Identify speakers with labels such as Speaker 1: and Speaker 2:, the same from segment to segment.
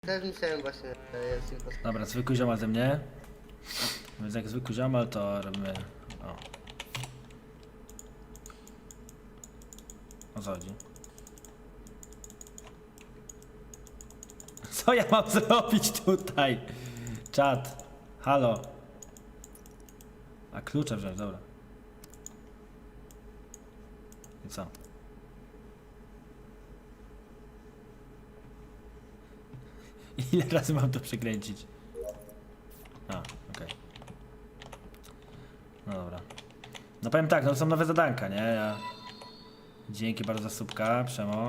Speaker 1: Też myślałem właśnie, że jest impostor.
Speaker 2: Dobra, zwykły ziomal ze mnie. Więc jak zwykły ziomal, to robimy... O. O co chodzi? Co ja mam zrobić tutaj? Czat. Halo. A klucze wziąć, dobra. I co? Ile razy mam to przekręcić? A, okej. No dobra. No powiem tak, no to są nowe zadanka, nie? Dzięki bardzo za subka, Przemo.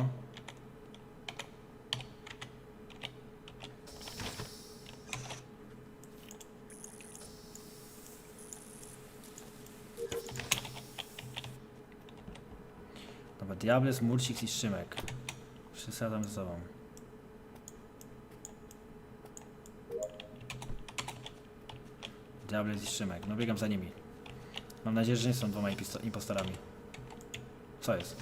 Speaker 2: Dobra, Diables, Murcix i Szymek. Wszyscy razem ze sobą. Diables i Szymek. No biegam za nimi. Mam nadzieję, że nie są dwoma impostorami. Co jest?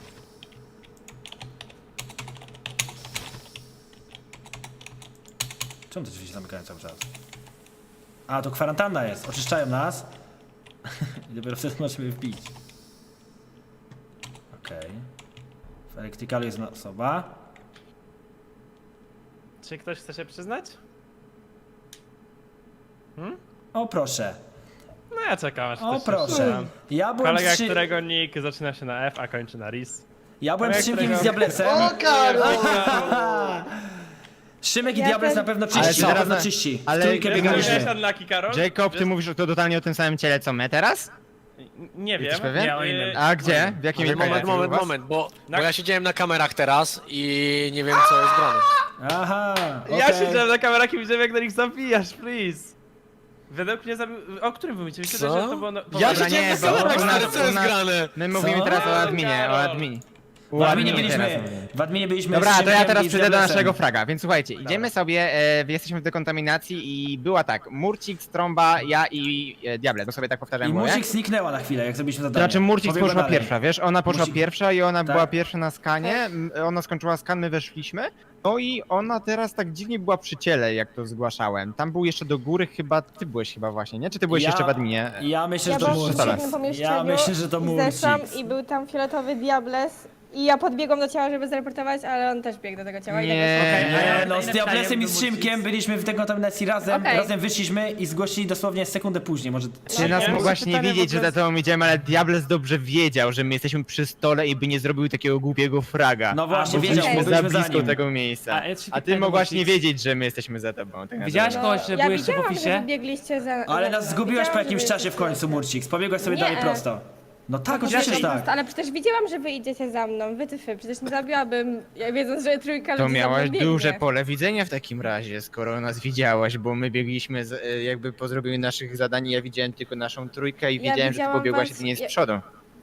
Speaker 2: Czemu te drzwi się zamykają cały czas? A, to kwarantanna jest. Oczyszczają nas. I dopiero wtedy możemy wbić. Okej. W elektrykalu jest osoba.
Speaker 3: Czy ktoś chce się przyznać?
Speaker 2: O proszę.
Speaker 3: No ja czekam aż
Speaker 2: O
Speaker 3: ktoś się
Speaker 2: proszę.
Speaker 3: przyzna.
Speaker 2: Ja byłem
Speaker 3: Kolega,
Speaker 2: przy...
Speaker 3: którego nick zaczyna się na F, a kończy na RIS.
Speaker 2: Ja byłem
Speaker 3: kolega,
Speaker 2: z Szymkiem i z
Speaker 3: którego-
Speaker 2: Diablesem.
Speaker 1: O, Karol!
Speaker 2: Szymek i
Speaker 4: Ja
Speaker 2: Diables
Speaker 4: też-
Speaker 2: na pewno
Speaker 5: Ale
Speaker 2: czyści,
Speaker 5: to
Speaker 2: na
Speaker 5: teraz
Speaker 2: pewno
Speaker 5: na-
Speaker 2: czyści. W
Speaker 5: ale-
Speaker 2: trójkę
Speaker 5: Wiesz,
Speaker 2: biegaliśmy.
Speaker 3: Wiesz, Unlucky Karol?
Speaker 5: Jacob, ty
Speaker 3: Wiesz-
Speaker 5: mówisz to totalnie o tym samym ciele co my teraz?
Speaker 3: Nie wiem.
Speaker 5: Jesteś pewien?
Speaker 3: Nie, o innym.
Speaker 5: A gdzie? W jakim
Speaker 6: Ale
Speaker 5: mieszkaniu u was?
Speaker 6: moment, bo
Speaker 3: Na-
Speaker 6: ja siedziałem na kamerach teraz i nie wiem co jest grane.
Speaker 2: Aha,
Speaker 3: Ja
Speaker 2: okej.
Speaker 3: siedziałem na kamerach i widziałem jak na nich zabijasz, please. Według mnie zabił... O którym wy mówicie? Myślę, że to było...
Speaker 6: Ja
Speaker 5: Dobra,
Speaker 6: siedziałem
Speaker 5: nie,
Speaker 6: na
Speaker 5: bo
Speaker 6: kamerach,
Speaker 5: u nas-
Speaker 6: stary, co jest
Speaker 5: u nas-
Speaker 6: grane?
Speaker 5: My mówimy teraz o adminie, o adminie.
Speaker 2: W adminie byliśmy,
Speaker 5: teraz mówimy.
Speaker 2: w adminie byliśmy
Speaker 5: Dobra,
Speaker 2: z
Speaker 5: to ja
Speaker 2: Szymkiem
Speaker 5: teraz
Speaker 2: i z
Speaker 5: przejdę do
Speaker 2: Diablesem.
Speaker 5: naszego fraga, więc słuchajcie, idziemy sobie, jesteśmy w dekontaminacji i była tak, Murcik, Trąba, ja i Diable, to sobie tak powtarzam
Speaker 2: I
Speaker 5: mówię.
Speaker 2: Murcik zniknęła na chwilę, jak zrobiliśmy
Speaker 5: To
Speaker 2: zadanie.
Speaker 5: znaczy Murcik
Speaker 2: Pobiegła
Speaker 5: poszła
Speaker 2: dalej.
Speaker 5: pierwsza, wiesz, ona poszła
Speaker 2: Murcik-
Speaker 5: pierwsza i ona
Speaker 2: tak.
Speaker 5: była pierwsza na skanie, ona skończyła skan, my weszliśmy, no i ona teraz tak dziwnie była przy ciele, jak to zgłaszałem. Tam był jeszcze do góry chyba, ty byłeś chyba właśnie, nie? Czy ty byłeś jeszcze w adminie?
Speaker 2: Ja myślę,
Speaker 4: Ja
Speaker 2: że to
Speaker 4: byłam w
Speaker 2: Murcik.
Speaker 4: przeciwnym pomieszczeniu
Speaker 2: Ja myślę, że to
Speaker 4: i zeszłam
Speaker 2: Murcik.
Speaker 4: i był tam fioletowy Diables i ja podbiegłam do ciała, żeby zreportować, ale on też biegł do tego ciała i
Speaker 5: Nie.
Speaker 4: tak
Speaker 2: Nie, no z Diablesem i z Szymkiem byliśmy w dekontaminacji razem,
Speaker 4: Okej.
Speaker 2: razem wyszliśmy i zgłosili dosłownie sekundę później, może
Speaker 5: Ty nas
Speaker 3: Ja mam
Speaker 5: mogłaś nie
Speaker 3: pytanie,
Speaker 5: wiedzieć,
Speaker 3: bo
Speaker 5: że
Speaker 3: to
Speaker 5: za
Speaker 3: jest-
Speaker 5: tobą idziemy, ale Diables dobrze wiedział, że my jesteśmy przy stole i by nie zrobił takiego głupiego fraga.
Speaker 2: No właśnie,
Speaker 5: Bo
Speaker 2: wiedział,
Speaker 5: byliśmy
Speaker 2: bo
Speaker 5: za
Speaker 2: byliśmy za
Speaker 5: blisko
Speaker 2: nim.
Speaker 5: tego miejsca.
Speaker 7: A, ja ci
Speaker 5: A ty
Speaker 7: pytanie,
Speaker 5: mogłaś
Speaker 7: bo
Speaker 5: nie
Speaker 7: ci-
Speaker 5: wiedzieć, że my jesteśmy za tobą. Tak
Speaker 7: Widziałaś
Speaker 5: naprawdę.
Speaker 7: kogoś, że
Speaker 4: ja
Speaker 7: byłeś jeszcze w
Speaker 4: widziałam, że
Speaker 7: ofisie?
Speaker 4: wybiegliście za...
Speaker 2: Ale nas zgubiłeś po
Speaker 4: widziałam,
Speaker 2: jakimś
Speaker 4: że
Speaker 2: czasie w końcu, Murcik. Pobiegłeś sobie
Speaker 4: Nie.
Speaker 2: dalej prosto. No tak,
Speaker 4: No
Speaker 2: oczywiście, że
Speaker 4: po
Speaker 2: tak.
Speaker 4: prostu, ale przecież wiedziałam, że wy idziecie za mną, wytyfy, przecież nie zabiłabym, ja wiedząc, że trójka
Speaker 5: To
Speaker 4: ludzi za mną
Speaker 5: miałaś
Speaker 4: biegnie.
Speaker 5: duże pole widzenia w takim razie, skoro nas widziałaś, bo my biegliśmy jakby po zrobieniu naszych zadań, ja widziałem tylko naszą trójkę i
Speaker 4: Ja
Speaker 5: wiedziałem, że ty
Speaker 4: widziałam
Speaker 5: pobiegłaś
Speaker 4: was-
Speaker 5: jedynie z
Speaker 4: ja-
Speaker 5: przodu.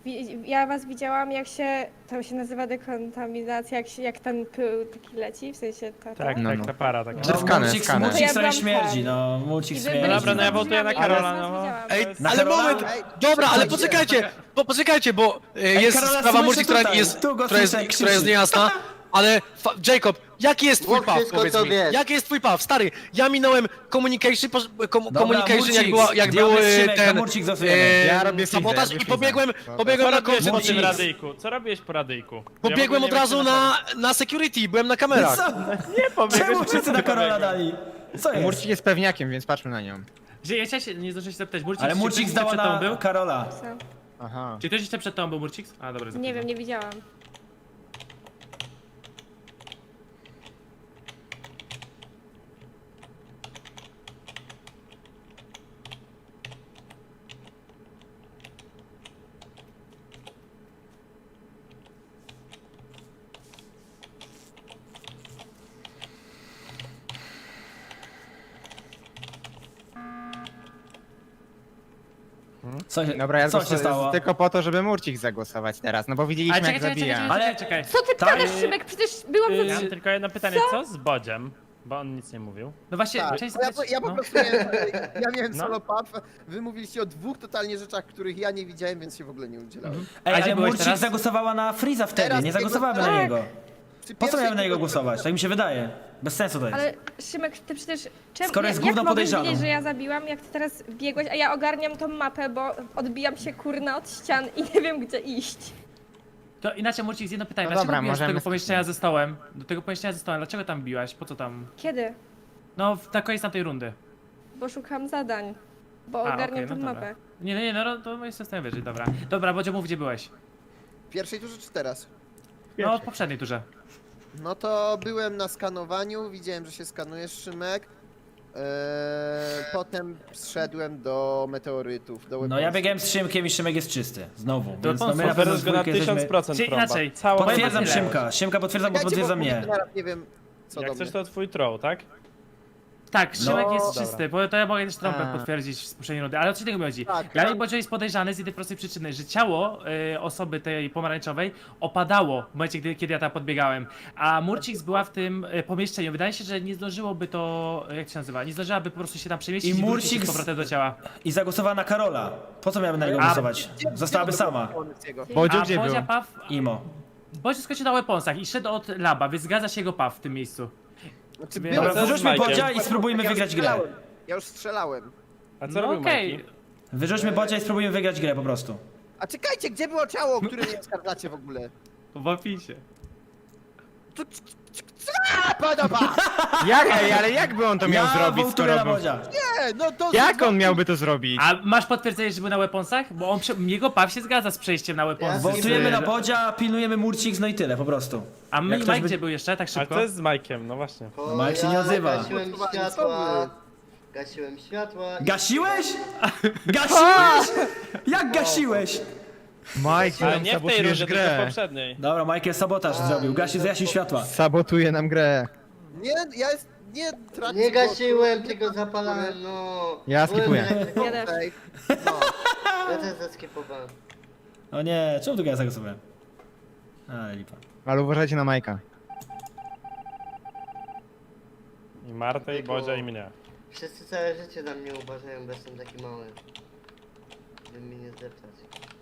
Speaker 4: Ja was widziałam, jak się, to się nazywa dekontaminacja, jak ten pył taki leci, w sensie ta...
Speaker 3: Tak,
Speaker 5: No,
Speaker 3: tak,
Speaker 5: no.
Speaker 3: ta para taka.
Speaker 5: Że skaner,
Speaker 2: Murcik,
Speaker 5: skaner.
Speaker 2: Murcik
Speaker 4: Ja
Speaker 2: sobie
Speaker 4: byłam
Speaker 2: śmierdzi,
Speaker 4: ten.
Speaker 2: no. Murcik
Speaker 4: I wy
Speaker 2: śmierdzi.
Speaker 4: byliście
Speaker 3: Dobra, no ja
Speaker 4: za
Speaker 3: wołtuję na
Speaker 4: drzwiami,
Speaker 3: Karola,
Speaker 4: ja was
Speaker 3: no.
Speaker 4: widziałam.
Speaker 6: Ej,
Speaker 4: To jest-
Speaker 2: Na
Speaker 6: ale
Speaker 2: Karola?
Speaker 6: moment, dobra, ale poczekajcie, bo jest
Speaker 2: Karola,
Speaker 6: sprawa
Speaker 2: słyszę
Speaker 6: Murci, która
Speaker 2: tutaj.
Speaker 6: jest,
Speaker 2: Tu go
Speaker 6: która jest,
Speaker 2: słyszę,
Speaker 6: która jest
Speaker 2: krzyczy.
Speaker 6: niejasna, ale Jacob, jaki jest twój
Speaker 1: Mów
Speaker 6: paw,
Speaker 1: wszystko,
Speaker 6: powiedz
Speaker 1: co
Speaker 6: mi,
Speaker 1: wiesz.
Speaker 6: jaki jest twój paw, stary, ja minąłem communication,
Speaker 2: Murcik,
Speaker 6: jak był
Speaker 2: Diables, Szymek,
Speaker 6: ten
Speaker 2: na Murcik zastosujemy.
Speaker 5: Ja robię
Speaker 6: sabotaż
Speaker 5: freeza,
Speaker 6: i
Speaker 5: ja
Speaker 6: pobiegłem
Speaker 3: Co
Speaker 6: na
Speaker 3: robiłeś po
Speaker 6: końcu,
Speaker 3: tym
Speaker 2: Murcik.
Speaker 3: radyjku? Co robiłeś po radyjku?
Speaker 6: pobiegłem
Speaker 3: Ja
Speaker 6: od
Speaker 3: w ogóle
Speaker 6: razu
Speaker 3: nie wiem,
Speaker 6: na security, byłem na kamerach.
Speaker 2: Co?
Speaker 3: Nie pobiegłeś,
Speaker 2: Czemu
Speaker 3: po
Speaker 2: wszyscy
Speaker 3: co
Speaker 2: na Karola
Speaker 3: pobiegłeś?
Speaker 2: dali? Co jest?
Speaker 5: Murcik jest pewniakiem, więc patrzmy na nią.
Speaker 7: Że ja się nie zdążyłem się zapytać, Murcik,
Speaker 2: Ale
Speaker 7: czy
Speaker 2: Murcik
Speaker 7: ktoś jeszcze
Speaker 2: zdała
Speaker 7: przed tobą
Speaker 2: na
Speaker 7: był?
Speaker 2: Karola.
Speaker 5: Aha.
Speaker 7: Czy ktoś jeszcze przed tobą był, Murcik? A, dobra,
Speaker 4: Nie
Speaker 7: zapytam.
Speaker 4: wiem, nie widziałam.
Speaker 2: Co się,
Speaker 5: Dobra, ja
Speaker 2: co się stało?
Speaker 5: tylko po to, żeby Murcik zagłosować teraz, no bo widzieliśmy
Speaker 7: Ale
Speaker 5: jak
Speaker 7: czekaj, czekaj,
Speaker 5: zabija.
Speaker 7: czekaj,
Speaker 2: Ale-
Speaker 7: czekaj.
Speaker 4: Co ty
Speaker 2: Tak.
Speaker 4: gadasz, Szymek? Przecież byłam
Speaker 3: Ja
Speaker 4: za...
Speaker 3: mam tylko jedno pytanie, co z Bodziem? Bo on nic nie mówił.
Speaker 7: No właśnie,
Speaker 8: Tak,
Speaker 7: część
Speaker 8: ja po
Speaker 7: no.
Speaker 8: prostu miałem, ja miałem
Speaker 3: No.
Speaker 8: solo pub, wy mówiliście o dwóch totalnie rzeczach, których ja nie widziałem, więc się w ogóle nie udzielałem.
Speaker 2: Ej,
Speaker 7: A gdzie
Speaker 2: ale
Speaker 7: byłeś
Speaker 2: Murcik
Speaker 7: teraz?
Speaker 2: zagłosowała na Freeza wtedy,
Speaker 8: Teraz
Speaker 2: nie
Speaker 8: biegłem-
Speaker 2: zagłosowała na
Speaker 4: Tak.
Speaker 2: niego.
Speaker 8: przy
Speaker 2: Po co
Speaker 8: pierwszej
Speaker 2: miałem na niego
Speaker 8: tego-
Speaker 2: głosować? Tak mi się wydaje. Bez sensu to jest.
Speaker 4: Ale Szymek, ty przecież...
Speaker 2: Skoro jest
Speaker 4: jak
Speaker 2: gówno
Speaker 4: mogłeś
Speaker 2: podejrzaną.
Speaker 4: wiedzieć, że ja zabiłam, jak ty teraz biegłeś, a ja ogarniam tą mapę, bo odbijam się kurna od ścian i nie wiem gdzie iść.
Speaker 7: To inaczej Murcix, jedno pytanie.
Speaker 5: No
Speaker 7: Dlaczego
Speaker 5: dobra,
Speaker 7: biłaś do
Speaker 5: możemy
Speaker 7: tego pomieszczenia ze stołem? Do tego pomieszczenia ze stołem, dlaczego tam biłaś? Po co tam?
Speaker 4: Kiedy?
Speaker 7: No, w takiej jest tamtej rundy.
Speaker 4: Bo szukam zadań. Bo
Speaker 7: A,
Speaker 4: ogarniam
Speaker 7: okej,
Speaker 4: tą
Speaker 7: no dobra.
Speaker 4: mapę.
Speaker 7: Nie, no to jestem w stanie wierzyć, dobra. Dobra, Bodzio, mów, gdzie byłeś?
Speaker 8: W pierwszej turze czy teraz?
Speaker 7: No, w poprzedniej turze.
Speaker 8: No to byłem na skanowaniu, widziałem, że się skanuje Szymek. Potem zszedłem do meteorytów, do
Speaker 2: No ja
Speaker 8: weaponsów.
Speaker 2: biegałem z Szymkiem i Szymek jest czysty. Znowu. Więc no my
Speaker 3: Potwierdzasz
Speaker 2: na pewno z
Speaker 3: go na
Speaker 2: dwójkę jesteśmy...
Speaker 3: 1000%
Speaker 7: Czyli
Speaker 3: trąba.
Speaker 7: inaczej,
Speaker 3: Całą
Speaker 2: Potwierdzam
Speaker 7: Powiem tyle.
Speaker 2: Szymka potwierdza, bo
Speaker 8: Czekajcie,
Speaker 2: potwierdza
Speaker 8: bo
Speaker 2: mnie.
Speaker 8: teraz nie wiem co
Speaker 3: Jak
Speaker 8: do
Speaker 3: coś
Speaker 8: mnie.
Speaker 3: to twój troll, tak?
Speaker 7: Tak, Szymek
Speaker 2: No,
Speaker 7: jest
Speaker 3: dobra.
Speaker 7: czysty, bo to ja mogę też trompet
Speaker 5: A.
Speaker 7: potwierdzić z poprzedniej rundy, ale o co tego mi chodzi?
Speaker 8: Tak,
Speaker 7: Dla mnie
Speaker 8: tak.
Speaker 7: Bodzio jest podejrzany z jednej prostej przyczyny, że ciało osoby tej pomarańczowej opadało w momencie, kiedy ja tam podbiegałem, a Murcix była w tym pomieszczeniu. Wydaje się, że nie zdążyłoby to, jak to się nazywa, nie zdążyłaby po prostu się tam przemieścić
Speaker 2: I
Speaker 7: i wrócić
Speaker 2: Murcix-
Speaker 7: z powrotem do ciała.
Speaker 2: I zagłosowała na Karola. Po co miałem na niego
Speaker 7: A-
Speaker 2: głosować? Zostałaby sama.
Speaker 5: Bodzio
Speaker 7: A
Speaker 5: gdzie był?
Speaker 7: Bodzia Paw,
Speaker 2: Imo.
Speaker 7: Bodzio skoczył na weaponsach i szedł od laba, więc zgadza się jego Paw w tym miejscu.
Speaker 8: Znaczy,
Speaker 7: Dobra,
Speaker 8: byłem-
Speaker 3: co z
Speaker 2: Wyrzućmy
Speaker 3: Majkiem?
Speaker 2: Bodzia i spróbujmy
Speaker 8: Ja już
Speaker 2: wygrać grę.
Speaker 8: strzelałem. Ja już strzelałem.
Speaker 3: A co
Speaker 7: No
Speaker 3: robił
Speaker 7: okej,
Speaker 3: Majki?
Speaker 2: Wyrzućmy Bodzia i spróbujmy wygrać grę po prostu.
Speaker 8: A czekajcie, gdzie było ciało, o którym nie oskarżacie w ogóle?
Speaker 7: w opisie.
Speaker 8: A, podoba!
Speaker 5: Ale jakby on to miał zrobić,
Speaker 2: wołtuję
Speaker 5: skoro
Speaker 2: na
Speaker 5: był...
Speaker 2: Bodzia.
Speaker 8: Nie, no to...
Speaker 5: Jak on miałby to zrobić?
Speaker 7: A masz potwierdzenie, że był na weaponsach? Bo on, jego Paw się zgadza z przejściem na weaponsy.
Speaker 1: Ja
Speaker 2: Wołtujemy na
Speaker 7: Że-
Speaker 2: Bodzia, pilnujemy Murcix, no i tyle po prostu.
Speaker 7: A
Speaker 2: Jak
Speaker 7: Mike
Speaker 2: ktoś by-
Speaker 7: gdzie był jeszcze, tak
Speaker 3: A
Speaker 7: szybko?
Speaker 3: co jest z Majkiem? No właśnie.
Speaker 1: Bo
Speaker 2: Mike się nie odzywa.
Speaker 1: Gasiłem światła. Gasiłem światła. i-
Speaker 2: Gasiłeś? Gasiłeś? Jak gasiłeś?
Speaker 5: Mike,
Speaker 3: Ale
Speaker 5: nam
Speaker 3: nie w tej
Speaker 5: sabotujesz
Speaker 3: rundzie, tylko w
Speaker 5: grę.
Speaker 3: poprzedniej.
Speaker 2: Dobra, Michael sabotaż zrobił, zgasił światła.
Speaker 5: Sabotuje nam grę.
Speaker 8: Nie, ja jest... Nie tracić
Speaker 1: Nie
Speaker 8: głosu.
Speaker 1: gasiłem, tylko zapalałem, no.
Speaker 5: Ja
Speaker 1: Byłem
Speaker 5: skipuję.
Speaker 1: elektryką.
Speaker 4: Ja też.
Speaker 8: Okej. No.
Speaker 1: Ja też zeskipowałem.
Speaker 2: O nie, czemu tu ja zagłosowałem? Ale lipa.
Speaker 5: Ale uważajcie na Majka.
Speaker 3: I Martę, i Bodzia, i mnie.
Speaker 1: Wszyscy całe życie na mnie uważają, bo jestem taki mały. Żeby mnie nie zdeptać.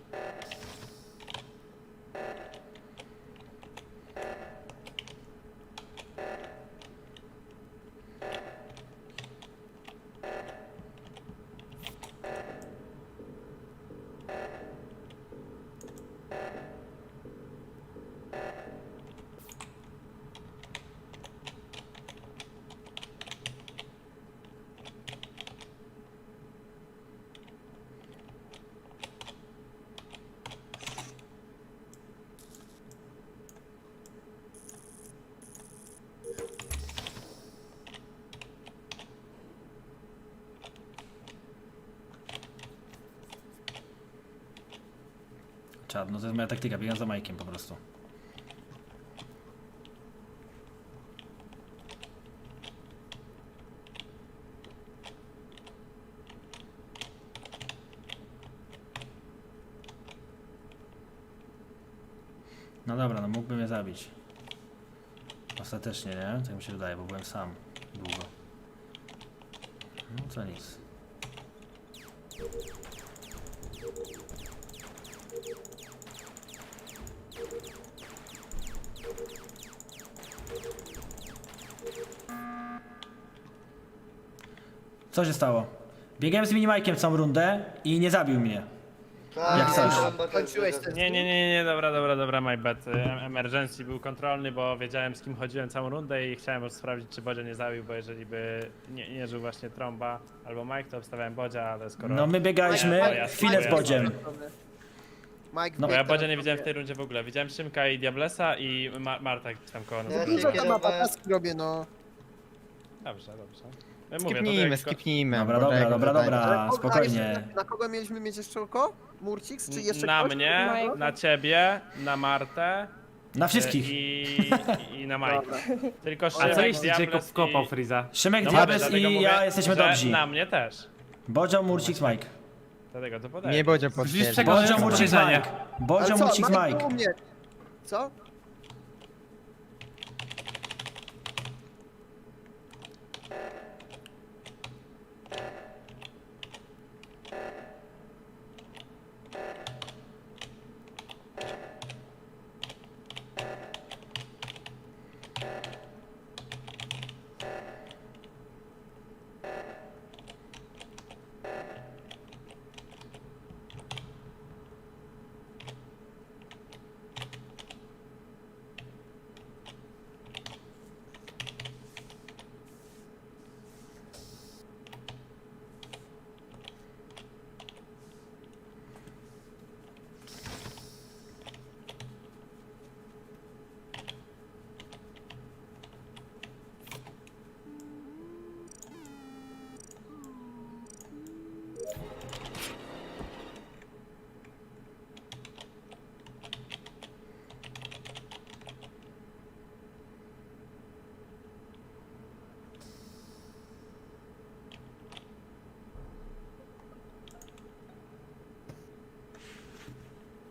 Speaker 2: Czad, no to jest moja taktyka, biegam za Majkiem po prostu. No dobra, no mógłby mnie zabić. Ostatecznie, nie? Tak mi się wydaje, bo byłem sam długo. No co nic. Co się stało? Biegałem z Minimajkiem całą rundę i nie zabił mnie.
Speaker 1: Tak,
Speaker 2: Jak coś.
Speaker 1: byłem bardzo
Speaker 8: Kończyłeś
Speaker 1: dużo.
Speaker 8: ten
Speaker 3: Nie, dobra, my bad. Emergency był kontrolny, bo wiedziałem z kim chodziłem całą rundę i chciałem sprawdzić, czy Bodzia nie zabił, bo jeżeli by nie żył właśnie Tromba albo Mike, to obstawiałem Bodzia, ale skoro...
Speaker 2: No my biegaliśmy
Speaker 3: Ja
Speaker 2: chwilę z Bodziem.
Speaker 8: Mike,
Speaker 2: No
Speaker 3: Bo ja
Speaker 8: bieg
Speaker 3: Bodzia
Speaker 8: teraz
Speaker 3: nie widziałem w
Speaker 8: robię.
Speaker 3: tej rundzie w ogóle. Widziałem Szymka i Diablesa i Marta gdzieś tam koło nas.
Speaker 1: Ja
Speaker 8: Dużo
Speaker 1: się
Speaker 8: tam mapa
Speaker 1: kierowałem.
Speaker 8: taski robię, no.
Speaker 3: Dobrze. Mówię, to
Speaker 5: Skipnijmy,
Speaker 3: jak-
Speaker 5: skipnijmy.
Speaker 2: Dobra,
Speaker 5: bo
Speaker 2: dobra,
Speaker 5: tak
Speaker 2: dobra,
Speaker 5: zadanie.
Speaker 2: dobra.
Speaker 8: Ale
Speaker 2: spokojnie.
Speaker 8: jeszcze Na kogo mieliśmy mieć jeszcze oko? Murcix, czy jeszcze
Speaker 3: Na
Speaker 8: ktoś?
Speaker 3: mnie,
Speaker 4: Mike.
Speaker 3: na ciebie, na Martę
Speaker 2: Na wszystkich.
Speaker 3: i na Majka. Tylko
Speaker 7: A
Speaker 3: Szymek,
Speaker 7: co jeśli
Speaker 3: Diables
Speaker 7: Jacob
Speaker 3: i-
Speaker 7: kopał Freeza?
Speaker 2: Szymek,
Speaker 3: No
Speaker 2: Diables
Speaker 3: dlatego
Speaker 2: i
Speaker 3: mówię,
Speaker 2: ja jesteśmy
Speaker 3: że
Speaker 2: dobrzy.
Speaker 3: Na mnie też.
Speaker 2: Bodzio, Murcix, Mike.
Speaker 3: Dlatego to podaję.
Speaker 5: Nie Bodzio
Speaker 7: Widzisz,
Speaker 5: potwierdzi.
Speaker 7: czego-
Speaker 2: Bodzio,
Speaker 7: jest
Speaker 2: Murcix,
Speaker 7: podejrzenie.
Speaker 2: Mike.
Speaker 8: Ale
Speaker 2: Bodzio,
Speaker 8: co,
Speaker 2: Murcix,
Speaker 8: Mike
Speaker 2: Mike.
Speaker 8: był u mnie. Co?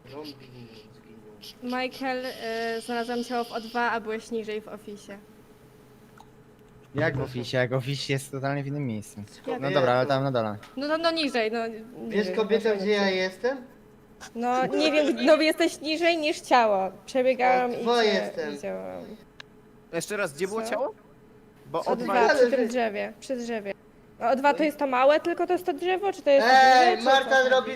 Speaker 1: Zombie zginął.
Speaker 4: Michael, znalazłam ciało w O2, a byłeś niżej w ofisie.
Speaker 5: Jak w oficie? Jak office jest totalnie w innym miejscu. No
Speaker 1: Kobietą.
Speaker 5: dobra, ale tam na dole.
Speaker 4: No niżej, no.
Speaker 1: Wiesz
Speaker 4: niżej,
Speaker 1: kobieta,
Speaker 4: proszę
Speaker 1: gdzie ja
Speaker 4: cię.
Speaker 1: jestem?
Speaker 4: No nie wiem, no jesteś niżej niż ciało. Przebiegałam i
Speaker 1: O,
Speaker 4: cię
Speaker 1: jestem.
Speaker 4: widziałam.
Speaker 8: Jeszcze raz, gdzie było
Speaker 4: Co?
Speaker 8: ciało? Bo
Speaker 4: O
Speaker 8: O2
Speaker 4: dwa
Speaker 1: Ale
Speaker 4: przy
Speaker 1: wy-
Speaker 4: tym drzewie, przy drzewie. A O2 to jest to małe, tylko to jest to drzewo, czy to jest to duże,
Speaker 1: Ej,
Speaker 4: czy
Speaker 1: Marta
Speaker 4: co?
Speaker 1: robi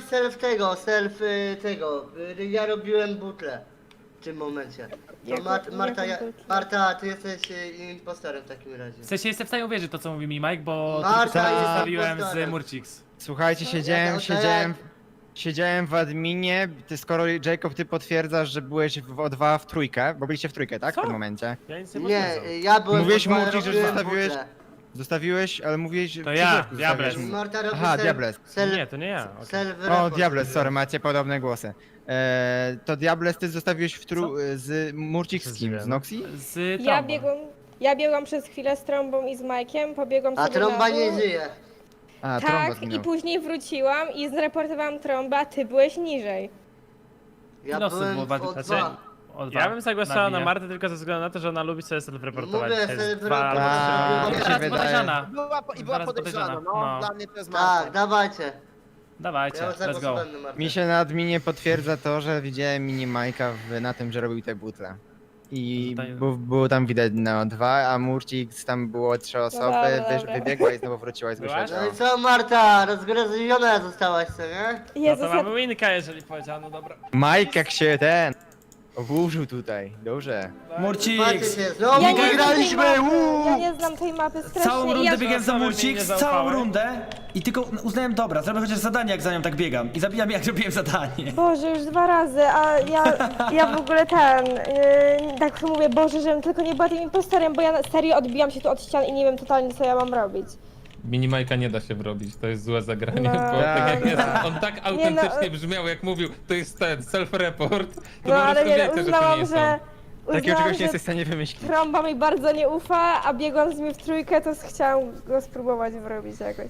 Speaker 1: tego. Ja robiłem butlę w tym momencie. To
Speaker 4: Jaką-
Speaker 1: Marta,
Speaker 4: jaką butlę?
Speaker 1: Marta, ty jesteś impostorem w takim razie.
Speaker 7: W sensie jestem w stanie uwierzyć to, co mówi mi Mike, bo
Speaker 1: Marta
Speaker 7: tylko
Speaker 1: jest
Speaker 7: zostawiłem z
Speaker 1: impostorem.
Speaker 7: Murcix.
Speaker 5: Słuchajcie, siedziałem w adminie, skoro Jacob ty potwierdzasz, że byłeś w O2 w trójkę, bo byliście w trójkę, tak?
Speaker 7: Co?
Speaker 5: W tym momencie.
Speaker 3: Ja nic nie
Speaker 1: Nie,
Speaker 3: potwierdzam.
Speaker 1: ja byłem
Speaker 5: Mówiłeś
Speaker 1: w ogóle,
Speaker 5: Murcik, że
Speaker 1: robiłem
Speaker 5: zostawiłeś-
Speaker 1: butlę.
Speaker 5: Zostawiłeś, ale mówiłeś, że
Speaker 7: To
Speaker 5: przy
Speaker 7: ja,
Speaker 5: środku
Speaker 7: Diables.
Speaker 5: zostawiłeś.
Speaker 1: Marta robi
Speaker 5: Aha, Diables.
Speaker 3: Nie, to nie ja. okej.
Speaker 5: O, Diables, sorry, macie podobne głosy. To Diables, ty zostawiłeś z Murcik z kim?
Speaker 3: Zdziwiony.
Speaker 5: Z Noxi?
Speaker 7: Z
Speaker 4: Ja
Speaker 7: Tromba.
Speaker 4: biegłam przez chwilę z Trąbą i z Majkiem, pobiegłam
Speaker 1: A
Speaker 4: sobie
Speaker 1: trąba
Speaker 4: na
Speaker 1: nie
Speaker 4: dół.
Speaker 1: żyje.
Speaker 5: A, Tromba
Speaker 4: Tak,
Speaker 5: zginął.
Speaker 4: i później wróciłam i zreportowałam Trąba, a ty byłeś niżej.
Speaker 1: Ja
Speaker 7: Nosy
Speaker 1: byłem
Speaker 7: było
Speaker 1: w
Speaker 7: bardzo-
Speaker 1: O2.
Speaker 7: znaczy- O dwa.
Speaker 3: Ja bym zagłosował na
Speaker 7: Nabija.
Speaker 3: Martę tylko ze względu na to, że ona lubi sobie self-reportować.
Speaker 1: Mówię,
Speaker 3: To jest
Speaker 1: self-report.
Speaker 3: dwa albo
Speaker 5: A,
Speaker 3: trzy.
Speaker 5: mi się
Speaker 7: Teraz
Speaker 5: wydaje.
Speaker 7: podejrzana.
Speaker 8: I była
Speaker 7: Zaraz
Speaker 8: podejrzana,
Speaker 7: podejrzana,
Speaker 8: no.
Speaker 7: no.
Speaker 8: Dla mnie to jest Marta.
Speaker 1: Tak, dawajcie.
Speaker 7: Dawajcie,
Speaker 1: Ja
Speaker 7: let's go.
Speaker 1: zagłosowałem na Martę.
Speaker 5: Mi się na adminie potwierdza to, że widziałem mini Majka na tym, że robił te butle. I
Speaker 7: Tutaj-
Speaker 5: było tam widać na O2, a Murcik tam było 3 osoby,
Speaker 4: dobra.
Speaker 5: wybiegła i znowu wróciła i
Speaker 3: Byłaś?
Speaker 5: zgłosiła
Speaker 1: No i co Marta, rozgryziona zostałaś, co nie?
Speaker 3: No
Speaker 4: Jezus,
Speaker 3: to mamy winka, jeżeli powiedziano, dobra.
Speaker 5: Mike jak się oburzył tutaj, dobrze.
Speaker 1: Macie
Speaker 2: Murcix!
Speaker 1: się, znowu
Speaker 4: ja nie znam tej
Speaker 1: wygraliśmy!
Speaker 4: mapy, ja nie znam tej mapy strasznie.
Speaker 2: Całą
Speaker 4: i
Speaker 2: rundę
Speaker 4: ja,
Speaker 2: biegałem za
Speaker 3: sobie
Speaker 2: Murcix,
Speaker 3: nie
Speaker 2: całą
Speaker 3: zaufałem.
Speaker 2: rundę i tylko uznałem, dobra, zrobię chociaż zadanie, jak za nią tak biegam. I zabijam, jak robiłem zadanie.
Speaker 4: Boże, już 2 razy, a ja w ogóle tak mówię, Boże, żebym tylko nie była tym impostorem, bo ja serio odbijam się tu od ścian i nie wiem totalnie, co ja mam robić.
Speaker 9: Minimajka nie da się wrobić, to jest złe zagranie,
Speaker 4: No.
Speaker 9: bo tak jak jest,
Speaker 5: Tak.
Speaker 9: on tak autentycznie brzmiał, jak mówił, to jest ten self-report, to
Speaker 4: No
Speaker 9: po
Speaker 4: ale
Speaker 9: prostu
Speaker 4: nie,
Speaker 9: wiecie, że to nie
Speaker 4: uznałam,
Speaker 9: jest
Speaker 4: że...
Speaker 5: Takiego
Speaker 4: Uznałam,
Speaker 5: czegoś nie
Speaker 4: że
Speaker 5: jesteś w stanie wymyślić.
Speaker 4: Trąba mi bardzo nie ufa, a biegłam z nim w trójkę, to chciałam go spróbować wrobić jakoś.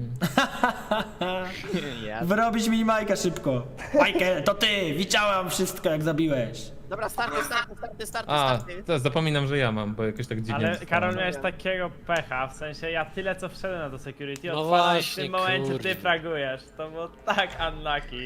Speaker 2: Wyrobić mi Majka szybko. Michael, to ty! Widziałam wszystko, jak zabiłeś.
Speaker 8: Dobra, starty.
Speaker 9: A, to zapominam, że ja mam, bo jakoś tak dziwnie
Speaker 3: Ale
Speaker 9: zostało.
Speaker 3: Karol, miałeś takiego pecha, w sensie ja tyle co wszedłem na to security,
Speaker 6: No
Speaker 3: odpalam w
Speaker 6: właśnie,
Speaker 3: tym momencie
Speaker 6: kurde.
Speaker 3: ty fragujesz. To było tak unlucky.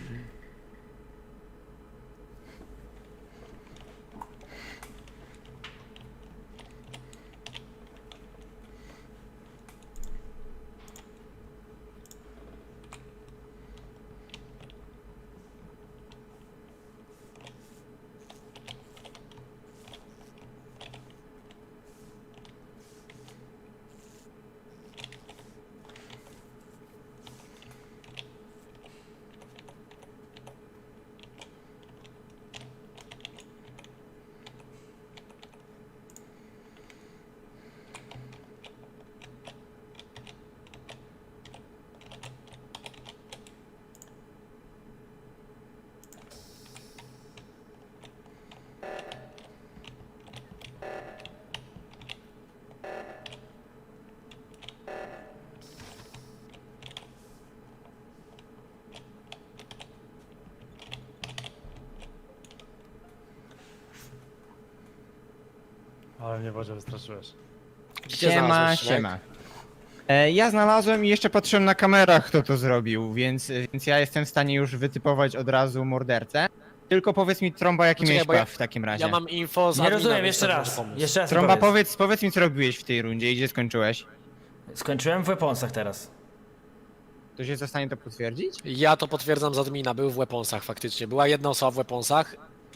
Speaker 3: Ale mnie Boże wystraszyłeś.
Speaker 6: Gdzie
Speaker 5: Siema,
Speaker 6: znalazłeś, Szymek?
Speaker 5: siema. Ja znalazłem i jeszcze patrzyłem na kamerach, kto to zrobił, więc ja jestem w stanie już wytypować od razu mordercę. Tylko powiedz mi, Trąba, jaki
Speaker 6: Poczekaj,
Speaker 5: miałeś
Speaker 6: bo ja-
Speaker 5: praw w takim razie.
Speaker 6: Ja mam info z
Speaker 2: Nie
Speaker 6: admina,
Speaker 2: rozumiem,
Speaker 6: więc
Speaker 2: jeszcze
Speaker 6: to
Speaker 2: raz.
Speaker 6: może pomóc.
Speaker 2: Jeszcze raz mi
Speaker 5: Trąba,
Speaker 2: powiedz.
Speaker 5: powiedz mi, co robiłeś w tej rundzie i gdzie skończyłeś.
Speaker 2: Skończyłem w weaponsach teraz.
Speaker 5: Ktoś jest w stanie to potwierdzić?
Speaker 6: Ja to potwierdzam z admina, był w weaponsach faktycznie. Była jedna osoba w weaponsach.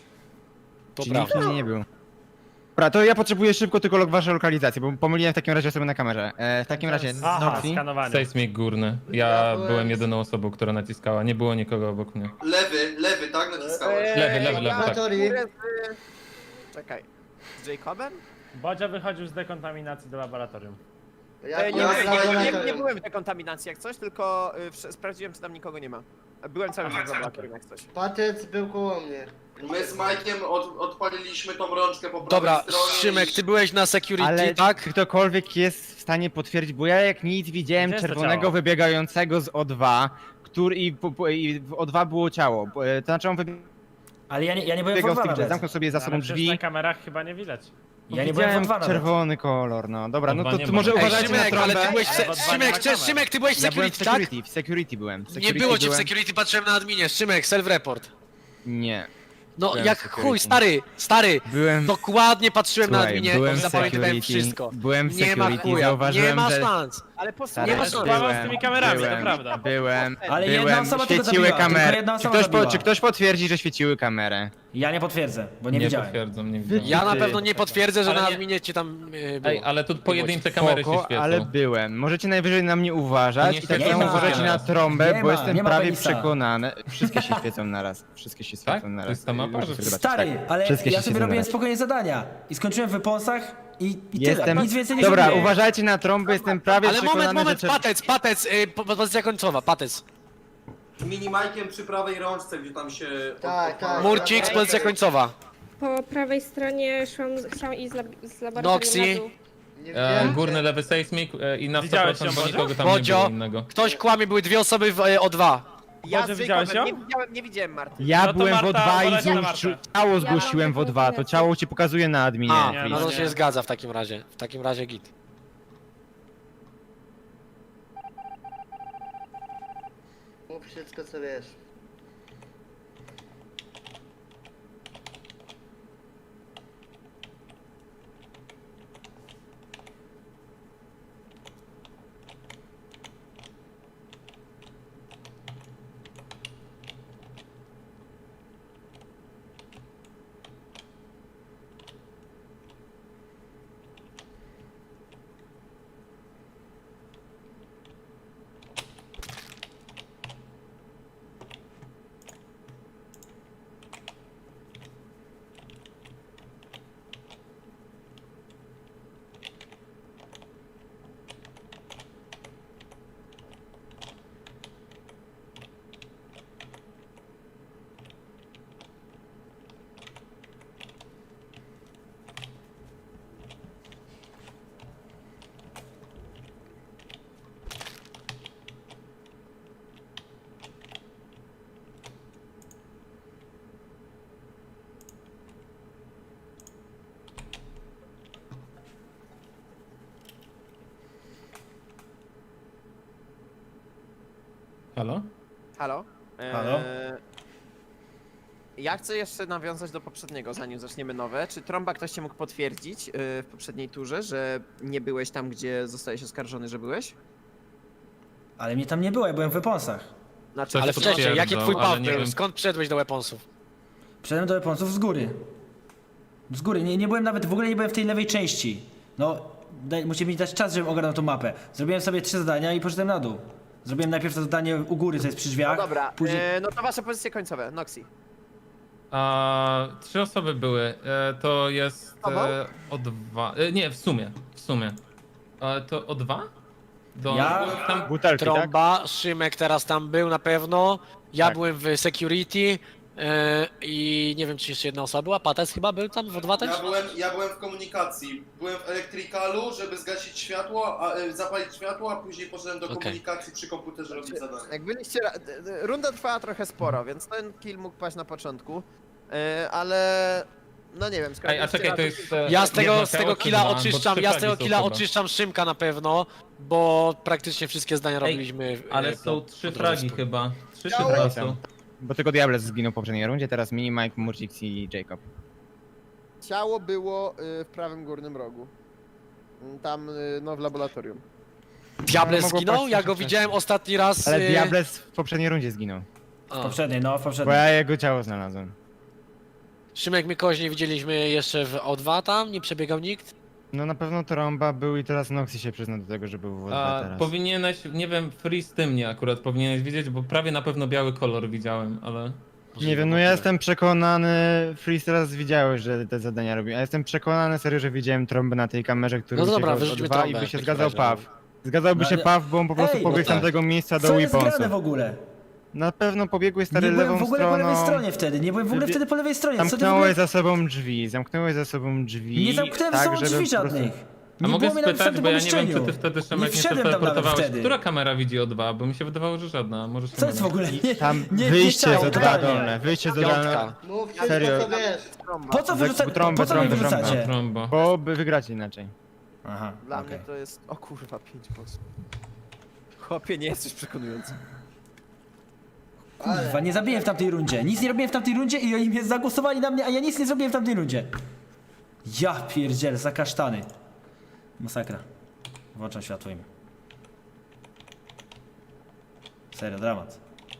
Speaker 6: To
Speaker 5: Czyli
Speaker 6: prawda.
Speaker 5: nikt nie był. Dobra, to ja potrzebuję szybko tylko wasze lokalizacje, bo pomyliłem w takim razie sobie na kamerze. W takim razie,
Speaker 3: Aha,
Speaker 5: Noxi.
Speaker 3: skanowanie.
Speaker 9: Sejsmik górny.
Speaker 1: Ja
Speaker 9: Ja
Speaker 1: byłem-
Speaker 9: byłem jedyną osobą, która naciskała, nie było nikogo obok mnie.
Speaker 10: Lewy, tak naciskałeś?
Speaker 9: Lewy, tak.
Speaker 1: Laboratorii.
Speaker 8: Czekaj. Z Jacobem?
Speaker 3: Bodzio wychodził z dekontaminacji do laboratorium.
Speaker 1: Ja
Speaker 10: nie,
Speaker 1: byłem w
Speaker 10: nie, nie,
Speaker 1: laboratorium.
Speaker 8: byłem w dekontaminacji jak coś, tylko sprawdziłem, czy tam nikogo nie ma. Byłem cały czas w laboratorium jak coś.
Speaker 1: Patec był koło mnie.
Speaker 10: My z Majkiem odpaliliśmy tą rączkę po prawej
Speaker 6: Dobra,
Speaker 10: stronie.
Speaker 6: Szymek, ty byłeś na security,
Speaker 5: Ale
Speaker 6: tak?
Speaker 5: ktokolwiek jest w stanie potwierdzić, bo ja jak nic widziałem
Speaker 3: Gdzie jest to
Speaker 5: czerwonego
Speaker 3: ciało?
Speaker 5: wybiegającego z O2, i w O2 było ciało. To znaczy on
Speaker 2: Ale ja nie byłem w
Speaker 5: wybiegał z
Speaker 2: O2
Speaker 5: tych drzwi,
Speaker 2: nawet.
Speaker 5: zamknął sobie za sobą
Speaker 3: Ale przecież
Speaker 5: drzwi.
Speaker 3: na kamerach chyba nie widać.
Speaker 2: Ja nie byłem w
Speaker 5: Widziałem
Speaker 2: O2 nawet.
Speaker 5: czerwony kolor, no. Dobra, no
Speaker 9: O2
Speaker 5: to
Speaker 9: nie
Speaker 5: ty
Speaker 9: ma.
Speaker 5: może
Speaker 9: Ej,
Speaker 5: uważajcie na
Speaker 6: Szymek, ale
Speaker 5: trąbę.
Speaker 6: ty byłeś...
Speaker 3: Ale w O2 nie ma kamer.
Speaker 6: Szymek, ty byłeś w
Speaker 5: Ja byłem w
Speaker 6: security, tak?
Speaker 5: security, w security byłem. W
Speaker 6: Nie
Speaker 5: security
Speaker 6: było cię w
Speaker 5: byłem.
Speaker 6: security, patrzyłem na adminie. Szymek, self-report.
Speaker 5: Nie.
Speaker 6: No
Speaker 5: Byłem
Speaker 6: jak
Speaker 5: w security.
Speaker 6: chuj, stary,
Speaker 5: Byłem...
Speaker 6: dokładnie patrzyłem na
Speaker 5: Słuchaj,
Speaker 6: adminie
Speaker 5: byłem
Speaker 6: i
Speaker 5: w
Speaker 6: zapamiętałem
Speaker 5: security,
Speaker 6: wszystko.
Speaker 5: byłem w
Speaker 6: Nie ma
Speaker 5: security,
Speaker 6: chuja, nie
Speaker 5: zauważyłem,
Speaker 6: ma
Speaker 5: że...
Speaker 6: szans.
Speaker 8: Ale
Speaker 6: Nie
Speaker 8: posłuchaj,
Speaker 6: ma
Speaker 3: Ja
Speaker 6: szans.
Speaker 3: spawam z tymi kamerami, to prawda.
Speaker 2: Ale jedna osoba tylko
Speaker 5: świeciły
Speaker 2: zabiła, tylko
Speaker 5: kamery.
Speaker 2: jedna
Speaker 5: Czy
Speaker 2: osoba zabiła.
Speaker 5: czy ktoś potwierdzi, że świeciły kamerę?
Speaker 2: Ja nie potwierdzę, bo nie
Speaker 9: Nie
Speaker 2: widziałem.
Speaker 9: potwierdzam, nie widziałem.
Speaker 6: Ja na pewno nie potwierdzę, że
Speaker 9: Ale
Speaker 6: na
Speaker 9: nie-
Speaker 6: adminie cię tam było.
Speaker 9: Ej, ale tu pojedyncze kamery się
Speaker 5: Spoko,
Speaker 9: świecą.
Speaker 5: ale byłem. Możecie najwyżej na mnie
Speaker 9: To
Speaker 5: uważać
Speaker 9: nie
Speaker 5: i tak
Speaker 9: świeci
Speaker 5: samo
Speaker 2: na
Speaker 5: uważajcie na
Speaker 9: raz.
Speaker 5: trąbę,
Speaker 2: Nie
Speaker 5: bo
Speaker 2: ma,
Speaker 5: jestem
Speaker 2: nie ma
Speaker 5: prawie
Speaker 2: penisa.
Speaker 5: przekonany. Wszystkie się świecą naraz. Wszystkie się świecą naraz.
Speaker 9: To jest ta mapa,
Speaker 5: Muszę
Speaker 9: że-
Speaker 5: sobie zobaczyć,
Speaker 2: Stary,
Speaker 5: tak.
Speaker 2: ale
Speaker 5: Wszystkie
Speaker 2: ja
Speaker 5: się
Speaker 2: sobie
Speaker 5: świecą
Speaker 2: robiłem
Speaker 5: naraz.
Speaker 2: spokojnie zadania. I skończyłem w wyponsach i
Speaker 5: Jestem...
Speaker 2: tyle. Nic więcej nie
Speaker 5: Dobra,
Speaker 2: zrobiłem.
Speaker 5: uważajcie na trąbę, jestem prawie
Speaker 6: Ale
Speaker 5: przekonany,
Speaker 6: moment,
Speaker 5: że...
Speaker 6: patec, pozycja końcowa, patec.
Speaker 10: Z minimajkiem przy prawej rączce, gdzie tam się...
Speaker 1: Tak, tak.
Speaker 6: Murcik, pozycja końcowa.
Speaker 4: Po prawej stronie chciałam iść z laboratorium
Speaker 6: Noxy.
Speaker 4: na dół.
Speaker 1: Nie wiem.
Speaker 9: Górny lewy sejsmik i na 100%
Speaker 3: Widziałeś ją,
Speaker 9: bo
Speaker 3: Bodzio?
Speaker 9: nikogo tam nie
Speaker 6: Bodzio,
Speaker 9: było innego.
Speaker 6: ktoś kłamie, były dwie osoby w O2.
Speaker 8: Ja
Speaker 3: Boże,
Speaker 8: z
Speaker 3: widziałeś
Speaker 8: Jacobem
Speaker 3: ją?
Speaker 8: nie widziałem Marty.
Speaker 5: Ja
Speaker 3: No to
Speaker 5: byłem w
Speaker 3: Marta,
Speaker 5: O2 i
Speaker 3: uważajcie na Martę.
Speaker 5: ciało zgłosiłem w O2, to ciało ci pokazuje na adminie.
Speaker 6: A,
Speaker 3: nie,
Speaker 6: no to
Speaker 3: nie.
Speaker 6: się zgadza w takim razie. W takim razie git.
Speaker 1: Mów wszystko co wiesz.
Speaker 9: Halo?
Speaker 8: Halo?
Speaker 2: Halo?
Speaker 8: Ja chcę jeszcze nawiązać do poprzedniego, zanim zaczniemy nowe. Czy Trąba ktoś cię mógł potwierdzić w poprzedniej turze, że nie byłeś tam, gdzie zostałeś oskarżony, że byłeś?
Speaker 2: Ale mnie tam nie było, ja byłem w wyponsach.
Speaker 8: Znaczy,
Speaker 9: Coś
Speaker 6: Ale
Speaker 9: to
Speaker 6: wcześniej, jaki
Speaker 9: potwierdzą,
Speaker 6: twój
Speaker 9: ale
Speaker 6: paw
Speaker 9: nie
Speaker 6: był?
Speaker 9: wiem.
Speaker 6: Skąd przyszedłeś do weaponsów?
Speaker 2: Wszedłem do wyponsów z góry. Z góry, nie byłem nawet, w ogóle nie byłem w tej lewej części. No, musicie mi dać czas, żebym ogarnął tą mapę. Zrobiłem sobie 3 zadania i poszedłem na dół. Zrobiłem najpierw to zadanie u góry, co jest przy drzwiach.
Speaker 8: dobra,
Speaker 2: Później...
Speaker 8: no to wasze pozycje końcowe, Noxy.
Speaker 9: 3 osoby były. To jest
Speaker 8: Tobą?
Speaker 9: O2. Nie, w sumie. To O2?
Speaker 2: Ja?
Speaker 9: Tam...
Speaker 5: Butelki, tak?
Speaker 6: Trąba, Szymek teraz tam był na pewno. Ja
Speaker 5: Tak.
Speaker 6: byłem w security. I nie wiem, czy jeszcze jedna osoba była. Patec chyba był tam w O2 też?
Speaker 10: Ja byłem w komunikacji. Byłem w elektrykalu, żeby zgasić światło, zapalić światło, a później poszedłem do
Speaker 6: Okej.
Speaker 10: komunikacji przy komputerze robić zadanie.
Speaker 8: Jak byliście, runda trwała trochę sporo, więc ten kill mógł paść na początku, ale no nie wiem,
Speaker 9: Ej, a czekaj, to jest...
Speaker 6: Ja z tego
Speaker 9: jedno ciało czy
Speaker 6: killa
Speaker 9: dwa? Bo
Speaker 6: oczyszczam,
Speaker 9: 3
Speaker 6: ja z tego
Speaker 9: fragi są
Speaker 6: killa
Speaker 9: chyba.
Speaker 6: oczyszczam Szymka na pewno, bo praktycznie wszystkie zdania robiliśmy.
Speaker 9: Ale są 3 fragi chyba. 3
Speaker 8: Ciało-
Speaker 9: fragi są.
Speaker 5: Bo tylko Diables zginął w poprzedniej rundzie, teraz Mini, Mike, Murcik i Jacob.
Speaker 8: Ciało było w prawym górnym rogu. Tam, no w laboratorium.
Speaker 6: Diable
Speaker 5: mogło
Speaker 6: zginął?
Speaker 5: paść
Speaker 6: Ja
Speaker 5: trochę
Speaker 6: go
Speaker 5: wcześniej.
Speaker 6: widziałem ostatni raz.
Speaker 5: Ale Diables w poprzedniej rundzie zginął.
Speaker 6: A.
Speaker 2: W poprzedniej, no w
Speaker 5: Bo
Speaker 2: poprzedniej.
Speaker 5: ja jego ciało znalazłem.
Speaker 6: Szymek, my kogoś nie widzieliśmy jeszcze w O2 tam, nie przebiegał nikt.
Speaker 5: No na pewno Trąba był i teraz Noxy się przyzna do tego, że był w O2 teraz.
Speaker 9: Powinieneś, nie wiem, Free z tym nie akurat powinieneś widzieć, bo prawie na pewno biały kolor widziałem, ale...
Speaker 5: Nie wiem, no ja jestem przekonany, Freeze teraz widziałeś, że te zadania robił. Ja jestem przekonany serio, że widziałem Trąbę na tej kamerze, który
Speaker 6: No dobra,
Speaker 5: uciekał z
Speaker 6: wyrzućmy
Speaker 5: O2
Speaker 6: Trąbę
Speaker 5: i by
Speaker 6: w
Speaker 5: się
Speaker 6: takim
Speaker 5: zgadzał
Speaker 6: razie,
Speaker 5: Paw. Zgadzałby
Speaker 2: No
Speaker 5: się
Speaker 2: ale-
Speaker 5: Paw, bo on po prostu
Speaker 2: Ej,
Speaker 5: pobiegł
Speaker 6: no
Speaker 5: z
Speaker 6: tak.
Speaker 5: tamtego miejsca do
Speaker 2: Co jest grane
Speaker 5: Weaponsów.
Speaker 2: w ogóle?
Speaker 5: Na pewno pobiegłeś stary
Speaker 2: Nie byłem
Speaker 5: lewą
Speaker 2: w ogóle po lewej
Speaker 5: stroną.
Speaker 2: stronie wtedy, nie byłem w ogóle
Speaker 5: Wybie-
Speaker 2: wtedy po lewej stronie. Co ty w ogóle...
Speaker 5: Zamknąłeś za sobą drzwi,
Speaker 2: Nie zamknąłem
Speaker 5: tak,
Speaker 2: ze sobą
Speaker 5: żeby
Speaker 2: drzwi
Speaker 5: po prostu-
Speaker 2: żadnych.
Speaker 9: A
Speaker 2: Nie
Speaker 9: mogę
Speaker 2: było mnie nawet w
Speaker 9: spytać,
Speaker 2: tamtym
Speaker 9: bo ja nie wiem, czy
Speaker 2: pomieszczeniu.
Speaker 9: ty wtedy,
Speaker 2: Nie
Speaker 9: Szymek, nie
Speaker 2: wszedłem tam nawet
Speaker 9: przeteleportowałeś.
Speaker 2: wtedy.
Speaker 9: Która kamera widzi O2? Bo mi się wydawało, że żadna. Może się
Speaker 2: Co jest w
Speaker 9: mylę.
Speaker 2: ogóle? Nie,
Speaker 5: Tam
Speaker 2: nie,
Speaker 5: wyjście
Speaker 2: nie
Speaker 5: z
Speaker 2: chciałem,
Speaker 5: O2
Speaker 2: totalnie.
Speaker 5: dolne, wyjście z O2 dolne.
Speaker 6: Piątka.
Speaker 1: Mów wszystko,
Speaker 5: Serio?
Speaker 1: co wiesz.
Speaker 2: Po co wy wyrzucacie?
Speaker 5: Trąbę,
Speaker 2: Po co wy
Speaker 5: trąbę,
Speaker 2: wyrzucacie?
Speaker 9: Trombo.
Speaker 5: Bo by wygrać inaczej.
Speaker 2: Aha,
Speaker 8: Dla
Speaker 2: okej.
Speaker 8: mnie to jest... O kurwa, 5 głosów. Chłopie, nie jesteś przekonujący.
Speaker 2: Kurwa, nie zabiję w tamtej rundzie. Nic nie robiłem w tamtej rundzie i oni mnie zagłosowali na mnie, a ja nic nie zrobiłem w tamtej rundzie. Ja pierdzielę, za kasztany. Masakra. Włączam światło im. Serio, dramat.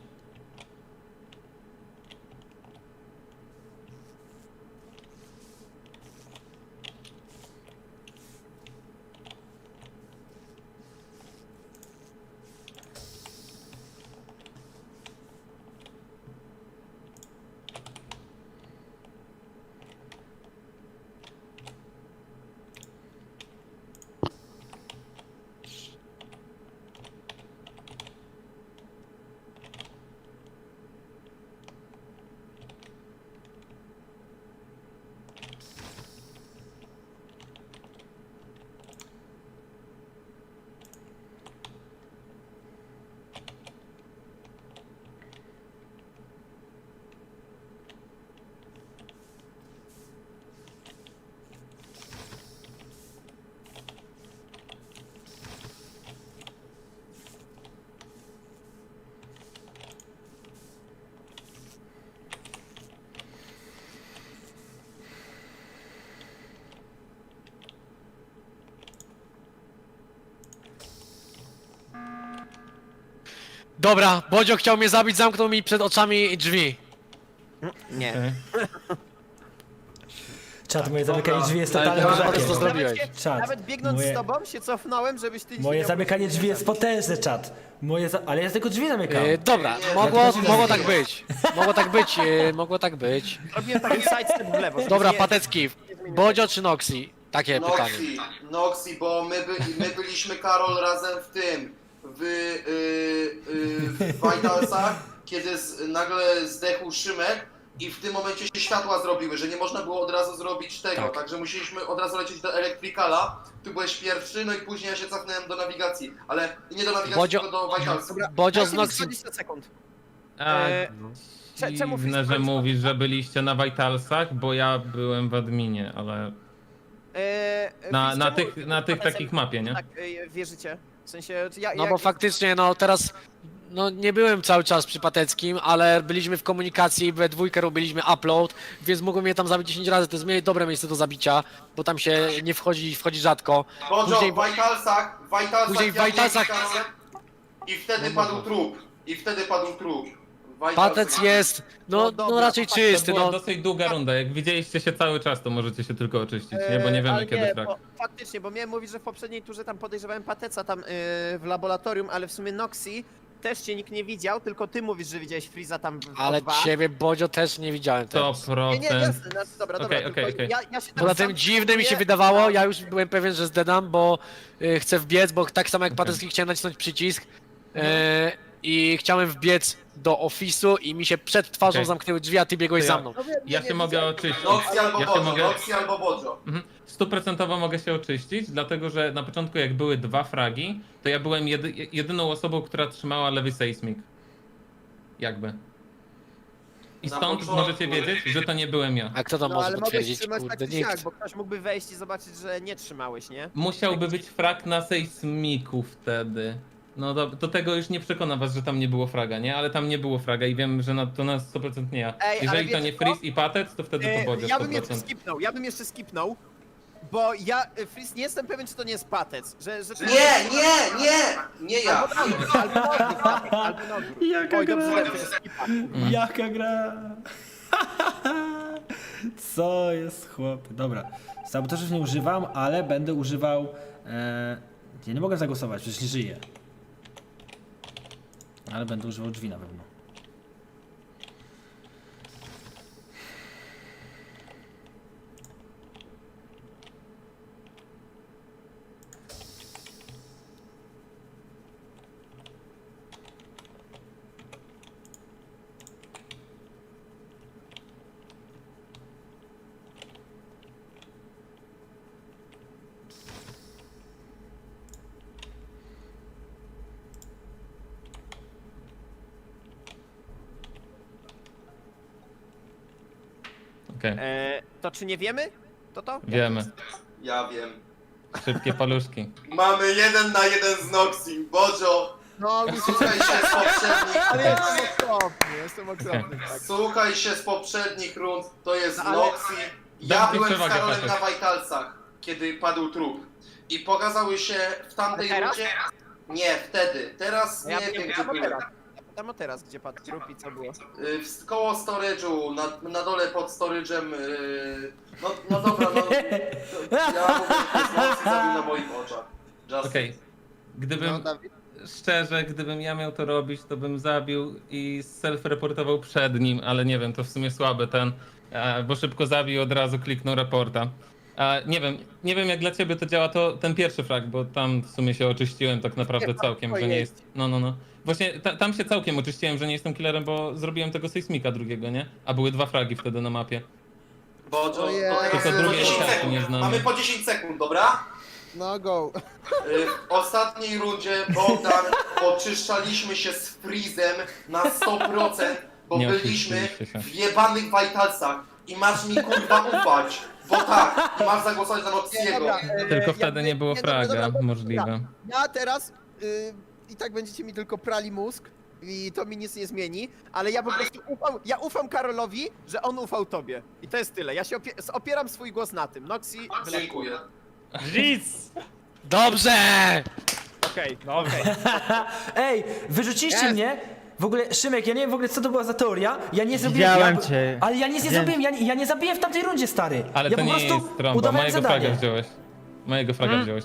Speaker 6: Dobra, Bodzio chciał mnie zabić, zamknął mi przed oczami drzwi.
Speaker 8: Nie.
Speaker 9: Okej.
Speaker 2: Czad, moje zamykanie drzwi jest
Speaker 9: Ale
Speaker 2: totalnie
Speaker 9: to
Speaker 6: Dobra,
Speaker 2: potężne.
Speaker 6: to zrobiłeś.
Speaker 2: Czad,
Speaker 8: Nawet biegnąc
Speaker 2: moje-
Speaker 8: z tobą się cofnąłem, żebyś ty...
Speaker 2: Moje
Speaker 8: nie
Speaker 2: zamykanie
Speaker 8: miał-
Speaker 2: drzwi jest potężne, czad. Ale ja tylko drzwi zamykam.
Speaker 6: Dobra,
Speaker 1: Nie,
Speaker 6: mogło tak być. Mogło tak być.
Speaker 8: Robiłem taki sidestep w lewo. żeby
Speaker 6: Dobra,
Speaker 8: nie-
Speaker 6: Patecki, Bodzio czy Noxi? Takie pytanie.
Speaker 10: Noxi, bo my byliśmy, Karol, razem w tym, w Vitalsach, kiedy nagle zdechł Szymek i w tym momencie się światła zrobiły, że nie można było od razu zrobić tego,
Speaker 6: Tak.
Speaker 10: także musieliśmy od razu lecieć do Electricala, ty byłeś pierwszy, no i później ja się cofnąłem do nawigacji, ale nie do nawigacji,
Speaker 6: Bodzio-
Speaker 10: tylko do Vitalsów.
Speaker 8: Dobra,
Speaker 6: Bodzio
Speaker 8: dajcie
Speaker 6: z
Speaker 8: mi
Speaker 6: Noxi.
Speaker 8: 20 sekund.
Speaker 9: A,
Speaker 8: Czemu
Speaker 9: dziwne, że
Speaker 8: Fritz
Speaker 9: mówisz, że byliście na Vitalsach, bo ja byłem w adminie, ale na tych takich mapie, nie?
Speaker 8: Tak, wierzycie? W sensie, ja...
Speaker 6: No bo faktycznie, no teraz, no nie byłem cały czas przy Pateckim, ale byliśmy w komunikacji, we dwójkę robiliśmy upload, więc mogłem mnie tam zabić 10 razy, to jest dobre miejsce do zabicia, bo tam się nie wchodzi rzadko.
Speaker 10: Bodzio,
Speaker 6: Później-
Speaker 10: w Vitalsach,
Speaker 6: później w
Speaker 10: ja
Speaker 6: Vitalsach-
Speaker 10: byłem z Karolem i wtedy padł trup. W Vitalsach.
Speaker 6: Patec jest, no
Speaker 8: dobra,
Speaker 6: raczej
Speaker 9: To
Speaker 6: czysty,
Speaker 9: była
Speaker 6: no.
Speaker 9: dosyć długa runda, jak widzieliście się cały czas, to możecie się tylko oczyścić, nie? Bo nie wiemy
Speaker 8: ale
Speaker 9: kiedy frak.
Speaker 8: bo faktycznie, bo miałem mówić, że w poprzedniej turze tam podejrzewałem Pateca tam w laboratorium, ale w sumie Noxi też cię nikt nie widział, tylko ty mówisz, że widziałeś Freeza tam w
Speaker 6: Ale
Speaker 8: O2.
Speaker 6: ciebie, Bodzio, też nie widziałem teraz.
Speaker 9: 100%.
Speaker 8: Nie, jasne, no, dobra,
Speaker 9: Okej,
Speaker 8: tylko
Speaker 9: okej.
Speaker 8: Ja się tam
Speaker 6: Poza
Speaker 8: sam
Speaker 6: tym dziwne mi się
Speaker 8: czuję,
Speaker 6: wydawało,
Speaker 8: a-
Speaker 6: ja już byłem pewien, że zdedam, bo chcę wbiec, bo tak samo jak Patecki chciałem nacisnąć przycisk i chciałem wbiec do ofisu i mi się przed twarzą
Speaker 9: Okej.
Speaker 6: zamknęły drzwi, a ty biegłeś
Speaker 9: To ja-
Speaker 6: za mną.
Speaker 8: No wiem,
Speaker 9: Ja
Speaker 8: nie
Speaker 9: się mogę
Speaker 8: widziałem.
Speaker 9: oczyścić.
Speaker 10: Noxi albo
Speaker 9: Ja się
Speaker 10: Bodzio,
Speaker 9: mogę...
Speaker 10: Noxi albo Bodzio.
Speaker 9: 100% mogę się oczyścić, dlatego że na początku jak były dwa fragi, to ja byłem jedyną osobą, która trzymała lewy seismik. Jakby. I
Speaker 10: Na
Speaker 9: stąd
Speaker 10: początku.
Speaker 9: możecie wiedzieć, że to nie byłem ja.
Speaker 6: A kto to
Speaker 8: No
Speaker 6: może
Speaker 8: ale mogłeś
Speaker 6: potwierdzić?
Speaker 8: trzymać
Speaker 6: Kurde,
Speaker 8: tak czy siak,
Speaker 6: nikt.
Speaker 8: bo ktoś mógłby wejść i zobaczyć, że nie trzymałeś, nie?
Speaker 9: Musiałby być frag na sejsmiku wtedy. No do tego już nie przekona was, że tam nie było fraga, nie? Ale tam nie było fraga i wiem, że to na 100% nie ja.
Speaker 8: Ej, ale
Speaker 9: Jeżeli to
Speaker 8: wiecie
Speaker 9: nie
Speaker 8: co?
Speaker 9: Freeze i Patec, to wtedy to Bodzio
Speaker 8: Ja bym jeszcze
Speaker 9: 100%.
Speaker 8: skipnął, bo ja, Freeze, nie jestem pewien, czy to nie jest Patec, że to
Speaker 10: Nie ja.
Speaker 8: Albo na odwrót, albo na odwrót.
Speaker 2: Jaka
Speaker 8: Oj, dobrze,
Speaker 2: gra?
Speaker 8: że to jest skipa.
Speaker 2: Jaka gra? Co jest chłop? Dobra. Sabotażów nie używam, ale będę używał... Ja nie mogę zagłosować, przecież nie żyję. Ale będę używał drzwi na pewno.
Speaker 9: Okej,
Speaker 8: To czy nie wiemy? To?
Speaker 9: wiemy.
Speaker 10: Ja wiem.
Speaker 9: Szybkie paluszki.
Speaker 10: Mamy 1 na 1 z Noxim. Bodzio,
Speaker 11: No,
Speaker 10: słuchaj się z poprzednich
Speaker 11: ale jestem okropny, tak.
Speaker 10: Słuchaj się z poprzednich rund, to jest
Speaker 8: ale-
Speaker 10: Noxi. Ja
Speaker 9: Dam ci
Speaker 10: byłem z
Speaker 9: przewagę,
Speaker 10: Karolem
Speaker 9: Patek.
Speaker 10: na Vitalsach, kiedy padł trup. I pokazały się w tamtej
Speaker 8: A teraz?
Speaker 10: rundzie. Nie, wtedy. Teraz
Speaker 8: Ja
Speaker 10: nie wiem, gdzie
Speaker 8: tam o
Speaker 10: byłem.
Speaker 8: teraz. Tam o teraz, gdzie padł trup i co było?
Speaker 10: Koło storage'u, na dole pod storage'em. No dobra, no. Ja mówię, że to jest Noxi zabił na moich oczach. Just
Speaker 9: Okej. Gdybym,
Speaker 11: No, Dawid?
Speaker 9: szczerze, gdybym ja miał to robić, to bym zabił i self-reportował przed nim, ale nie wiem, to w sumie słaby ten, bo szybko zabił, od razu kliknął raporta. Nie wiem jak dla ciebie to działa to ten pierwszy frag, bo tam w sumie się oczyściłem tak naprawdę całkiem, że nie jest... No. Właśnie tam się całkiem oczyściłem, że nie jestem killerem, bo zrobiłem tego sejsmika drugiego, nie? A były 2 fragi wtedy na mapie.
Speaker 10: Bodzio,
Speaker 11: Ojej.
Speaker 10: to teraz
Speaker 9: Tylko
Speaker 10: po
Speaker 9: drugiej
Speaker 10: 10
Speaker 9: karty
Speaker 10: sekund.
Speaker 9: nie znamy.
Speaker 10: Mamy po 10 sekund, dobra?
Speaker 11: No go.
Speaker 10: W ostatniej rundzie, Bogdan, oczyszczaliśmy się z Freezem na 100%, bo
Speaker 9: Nie
Speaker 10: byliśmy
Speaker 9: oczyściliście się.
Speaker 10: w jebanych Vitalsach. I masz mi kurwa ufać, bo tak, i masz zagłosować na Noxiego.
Speaker 11: Dobra,
Speaker 9: Tylko wtedy nie było
Speaker 11: dobra,
Speaker 9: fraga,
Speaker 11: dobra,
Speaker 9: możliwe.
Speaker 11: Ja teraz i tak będziecie mi tylko prali mózg i to mi nic nie zmieni, ale ja po prostu ufam Karolowi, że on ufał tobie. I to jest tyle. Ja się opieram swój głos na tym. Noxi,
Speaker 10: Dziękuję.
Speaker 3: Nic!
Speaker 6: Dobrze!
Speaker 11: okej.
Speaker 3: No okej.
Speaker 2: Ej, wyrzuciliście
Speaker 11: Jest.
Speaker 2: mnie? W ogóle, Szymek, ja nie wiem w ogóle co to była za teoria. Ja nie zrobiłem.
Speaker 5: Widziałem
Speaker 2: ja,
Speaker 5: cię.
Speaker 2: Ale ja nic nie zrobiłem, ja nie zabiję w tamtej rundzie, stary.
Speaker 9: Ale
Speaker 2: ja
Speaker 9: to
Speaker 2: po
Speaker 9: nie
Speaker 2: prostu
Speaker 9: jest trąba,
Speaker 2: udawałem
Speaker 9: mojego
Speaker 2: zadanie.
Speaker 9: fraga wziąłeś. Mojego fraga wziąłeś.